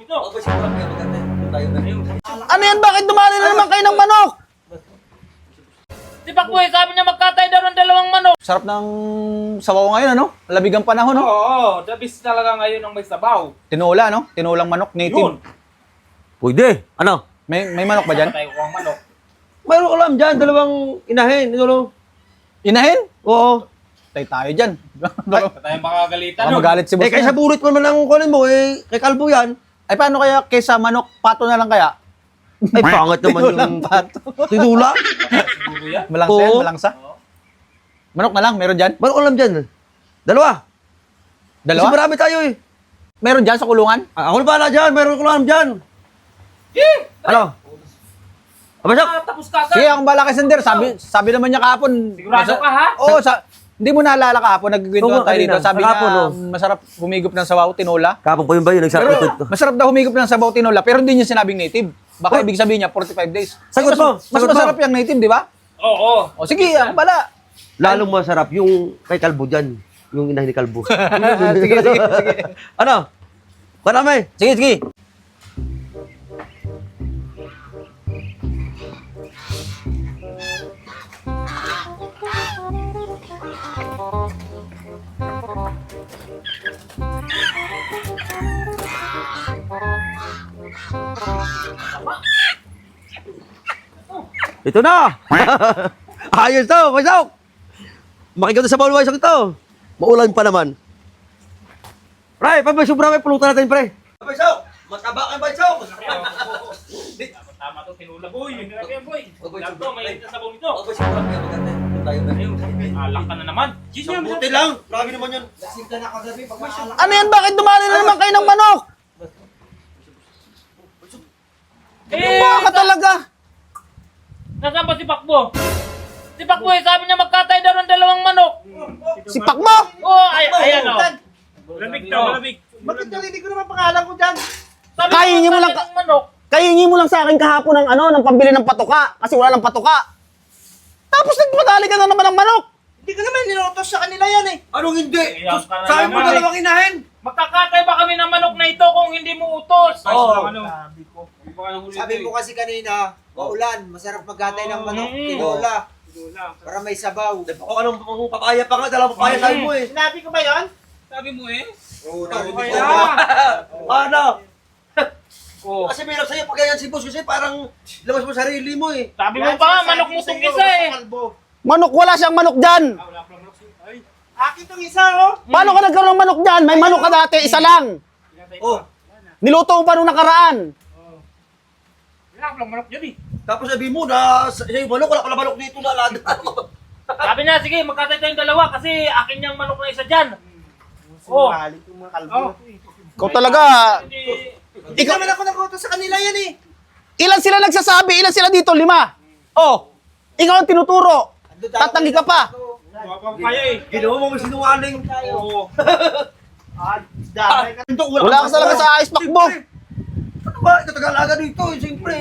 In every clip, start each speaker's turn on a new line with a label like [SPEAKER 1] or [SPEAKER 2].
[SPEAKER 1] ito.
[SPEAKER 2] Ano yan? Bakit dumali na naman kayo ng manok?
[SPEAKER 1] Si Pakboy, sabi niya magkatay daw ng dalawang manok.
[SPEAKER 2] Sarap ng sabaw ngayon, ano? Labig ang panahon, no?
[SPEAKER 1] Oo, the best talaga ngayon ng may sabaw.
[SPEAKER 2] Tinola, no? Tinolang manok,
[SPEAKER 1] Yun.
[SPEAKER 2] native.
[SPEAKER 3] Pwede. Ano?
[SPEAKER 2] May manok ba dyan?
[SPEAKER 1] Patay ko ang manok.
[SPEAKER 3] Mayroon ko lang dyan, dalawang inahin. Ito,
[SPEAKER 2] Inahin?
[SPEAKER 3] oo.
[SPEAKER 2] Tayo dyan.
[SPEAKER 1] Patay ang makagalitan.
[SPEAKER 2] Baka magalit si boss.
[SPEAKER 3] Kaysa
[SPEAKER 2] niya.
[SPEAKER 3] burit mo naman ang kunin mo, kay Kalbo yan.
[SPEAKER 2] Ay, paano kaya kaysa manok, pato na lang kaya?
[SPEAKER 3] Ay, pangat naman
[SPEAKER 2] Tinolang
[SPEAKER 3] yung
[SPEAKER 2] pato.
[SPEAKER 3] tinula.
[SPEAKER 1] Siguro yan.
[SPEAKER 2] Malangsa yan,
[SPEAKER 3] Oo.
[SPEAKER 2] malangsa. Manok na lang, meron dyan?
[SPEAKER 3] Mayroon ko lang dyan. Dalawa. Kasi
[SPEAKER 2] Dalawa?
[SPEAKER 3] marami tayo eh.
[SPEAKER 2] Meron dyan sa kulungan?
[SPEAKER 3] Ako na pala dyan, mayroon ko lang dyan. Ano? Abasok?
[SPEAKER 1] Tapos ka
[SPEAKER 2] Sige, akong bala kay Sander. Sabi naman niya kahapon.
[SPEAKER 1] Sigurado ka, ha?
[SPEAKER 2] Oo, hindi mo naalala kahapon, nagkikwentuhan
[SPEAKER 3] Oo,
[SPEAKER 2] tayo dito.
[SPEAKER 3] kanina.
[SPEAKER 2] Sabi niya,
[SPEAKER 3] Kahapon, oh.
[SPEAKER 2] masarap humigop ng sabaw, tinola.
[SPEAKER 3] Kapag po yun ba yun?
[SPEAKER 2] Pero
[SPEAKER 3] Nagsabi ko.
[SPEAKER 2] masarap daw humigop ng sabaw, tinola, pero hindi niya sinabing native. Baka ibig sabihin niya, 45 days.
[SPEAKER 3] Sagot mo,
[SPEAKER 2] Mas
[SPEAKER 3] sagot mo.
[SPEAKER 2] masarap yung native, di ba?
[SPEAKER 1] Oo.
[SPEAKER 2] O sige, akong bala.
[SPEAKER 3] Lalong masarap yung kay Kalbo dyan. Yung inahin ni Kalbo.
[SPEAKER 2] sige, sige, sige.
[SPEAKER 3] Ano? Marami.
[SPEAKER 2] Sige, sige.
[SPEAKER 3] Ito na! Ayos to, Pasok! Makikita sa bawal Pasok ito. Maulan pa naman. Pre, pag may sobra may pulutan natin, pre. Pasok! Mataba ka, Pasok!
[SPEAKER 1] Tama to, tinula, boy. Grabe yan, boy. Lagto, may sabaw nito. Alak ka na naman.
[SPEAKER 3] Buti lang. Grabe naman yun.
[SPEAKER 2] Ano yan? Bakit dumali na naman kayo ng manok? Baka talaga.
[SPEAKER 1] Nasaan ba si Pakbo? Si Pakbo, sabi niya magkatay daw ng dalawang manok.
[SPEAKER 2] Sipak mo!
[SPEAKER 1] Oo, ayan o. Malamig to, malamig.
[SPEAKER 3] Bakit narinig ko naman pangalan ko dyan?
[SPEAKER 1] Sabi
[SPEAKER 2] Kainin mo lang
[SPEAKER 1] magkatay ng manok.
[SPEAKER 2] Kahingi mo lang sa akin kahapon ng ng pambili ng patuka. Kasi wala ng patuka. Tapos nagpadali ka na naman ng manok.
[SPEAKER 3] Hindi ka naman nilotos sa kanila yan eh. Anong hindi?
[SPEAKER 1] Iyak ka na
[SPEAKER 3] Sabi mo
[SPEAKER 1] naman,
[SPEAKER 3] dalawang inahin.
[SPEAKER 1] Magkakatay ba kami ng manok na ito kung hindi mo utos?
[SPEAKER 3] Oo.
[SPEAKER 4] Sabi mo kasi kanina, maulan, masarap maghatay ng manok, tinola, para may sabaw.
[SPEAKER 3] Ako anong papaya pa nga, dalawang papaya sabi mo eh.
[SPEAKER 4] Sinabi ko ba yan?
[SPEAKER 1] Sabi mo eh.
[SPEAKER 4] Oo, narinig ko
[SPEAKER 1] Kaya.
[SPEAKER 4] ba?
[SPEAKER 3] Ano?
[SPEAKER 1] Oh.
[SPEAKER 3] Kasi meron sa'yo pag ganyan si boss kasi parang labas mo sarili mo eh.
[SPEAKER 1] Sabi mo pa, manok mo itong isa eh.
[SPEAKER 2] Manok, wala siyang manok dyan.
[SPEAKER 4] Akin tong isa, oh.
[SPEAKER 2] Paano ka nagkaroon ng manok dyan? May manok ka dati, isa lang.
[SPEAKER 3] Oh,
[SPEAKER 2] Niluto mo pa nung nakaraan.
[SPEAKER 1] Wala ko lang manok dyan eh.
[SPEAKER 3] tapos sabi mo na sa'yo manok, wala pala manok dito na alada.
[SPEAKER 1] Sabi niya, sige, magkatay tayong dalawa kasi akin yung manok na isa dyan. Oh.
[SPEAKER 4] Yung mga kalbo.
[SPEAKER 2] Ikaw talaga.
[SPEAKER 1] Hindi.
[SPEAKER 4] Ikaw naman ako nagutos sa kanila yan eh.
[SPEAKER 2] Ilan sila nagsasabi? Ilan sila dito? 5. Oh, ikaw ang tinuturo. Tatanggi ka pa.
[SPEAKER 1] Kaya eh.
[SPEAKER 3] Ginawa mo sinungaling.
[SPEAKER 1] Oo.
[SPEAKER 4] Dahil ka.
[SPEAKER 2] Wala ka talaga sa ice pack mo.
[SPEAKER 3] Ano ba? Ito Tagalaga dito eh, siyempre.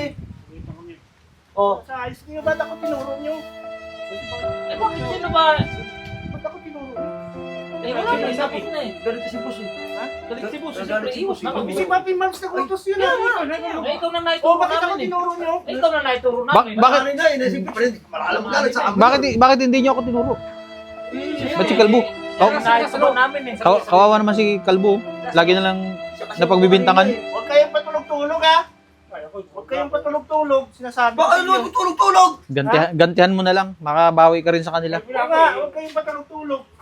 [SPEAKER 3] Oh,
[SPEAKER 4] Sa ayos niyo, ba't ako tinuro niyo?
[SPEAKER 1] Eh bakit sino ba?
[SPEAKER 4] Ba't ako tinuro?
[SPEAKER 1] Eh wala na, sabi ko na eh.
[SPEAKER 3] galit si boss eh.
[SPEAKER 1] Galit si boss,
[SPEAKER 3] Galit
[SPEAKER 1] siyempre
[SPEAKER 3] si
[SPEAKER 1] iwas
[SPEAKER 3] boss,
[SPEAKER 1] na
[SPEAKER 3] eh.
[SPEAKER 1] kami.
[SPEAKER 4] Si Papi Mams nagutos yun
[SPEAKER 1] Kaya
[SPEAKER 4] ah.
[SPEAKER 1] nga. Eh ikaw na
[SPEAKER 4] Oh,
[SPEAKER 1] naituro
[SPEAKER 4] bakit ako
[SPEAKER 1] namin eh.
[SPEAKER 4] tinuro niyo?
[SPEAKER 1] Eh ikaw na naituro
[SPEAKER 2] Bakit?
[SPEAKER 1] namin.
[SPEAKER 3] Bakit na eh, siyempre, malalam mo galit sa amin.
[SPEAKER 2] Bakit hindi niyo ako tinuro? Ba't si Kalbo?
[SPEAKER 1] Ikaw na naituro namin eh.
[SPEAKER 2] Kawawa naman si Kalbo. Lagi na lang napagbibintangan.
[SPEAKER 4] Huwag kayong patulog-tulog ha. Huwag kayong patulog-tulog. Sinasabi ko
[SPEAKER 3] Bakit
[SPEAKER 4] sa
[SPEAKER 3] ano,
[SPEAKER 4] inyo.
[SPEAKER 3] tulog-tulog?
[SPEAKER 2] Gantihan mo na lang. Makabawi ka rin sa kanila.
[SPEAKER 4] Huwag nga, huwag kayong patulog-tulog.